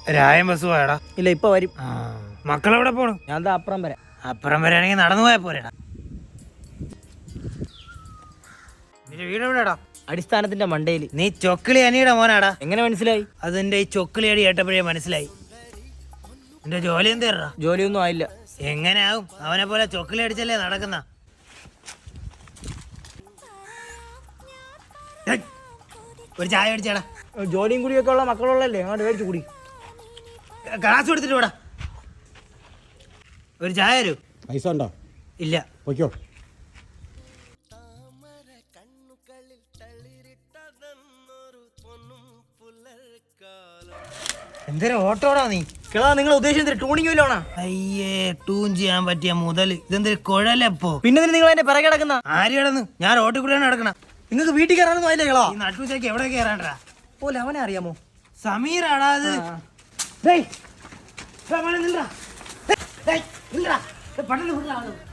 രായം bus പോയടാ? ഇല്ല, ഇപ്പൊ വരും. മക്കളെവിടെ പോണു? ഞാൻ അപ്പുറം വരാം. അപ്പുറം വരാണെങ്കിൽ നടന്നു പോയാ പോരാടാ. നിന്റെ വീട് എവിടെടാ? അടിസ്ഥാനത്തിന്റെ മണ്ടയില്. നീ ചൊക്കിളി അനിയുടെ മോനാടാ? എങ്ങനെ മനസ്സിലായി? അതെന്റെ ഈ ചൊക്കിളി അടി കേട്ടപ്പോഴേ മനസ്സിലായി. നിന്റെ ജോലി എന്തേറാ? ജോലിയൊന്നും ആയില്ല. എങ്ങനെ ആവും? അവനെ പോലെ ചൊക്കിളി അടിച്ചല്ലേ നടക്കുന്ന. ഒരു ചായ അടിച്ചാടാ. ജോലിയും കൂടിയൊക്കെ ഉള്ള മക്കളുള്ളല്ലേ, അങ്ങോട്ട് മേടിച്ചു കൂടി. ഗ്ലാസ് കൊടുത്തിട്ട് പോടാ. ഒരു ചായ തരൂ. പൈസ ഉണ്ടോ? ഇല്ല. പൊയ്ക്കോ. എന്തൊരു ഓട്ടോടാ നീ? കിളാ, നിങ്ങൾ ഉദ്ദേശിച്ചത് ട്യൂണിംഗ് വല്ലോണാ? അയ്യേ, ട്യൂൺ ചെയ്യാൻ പറ്റിയ മുതല്. ഇതെന്തൊരു കുഴലപ്പോ. പിന്നെ നിങ്ങൾ എന്നെ പിറകെ കിടക്കുന്ന ആര് കിടന്നു? ഞാൻ റോട്ടിൽ കൂടെയാണ് കിടക്കണം. നിങ്ങൾക്ക് വീട്ടിൽ കയറാനൊന്നും ആയില്ലേ കിളാ? ഈ നട്ടുച്ചയ്ക്ക് എവിടെ കയറാണ്ടാ? പോലെ അവനെ അറിയാമോ? സമീറാടാ അത്. പട്ടണ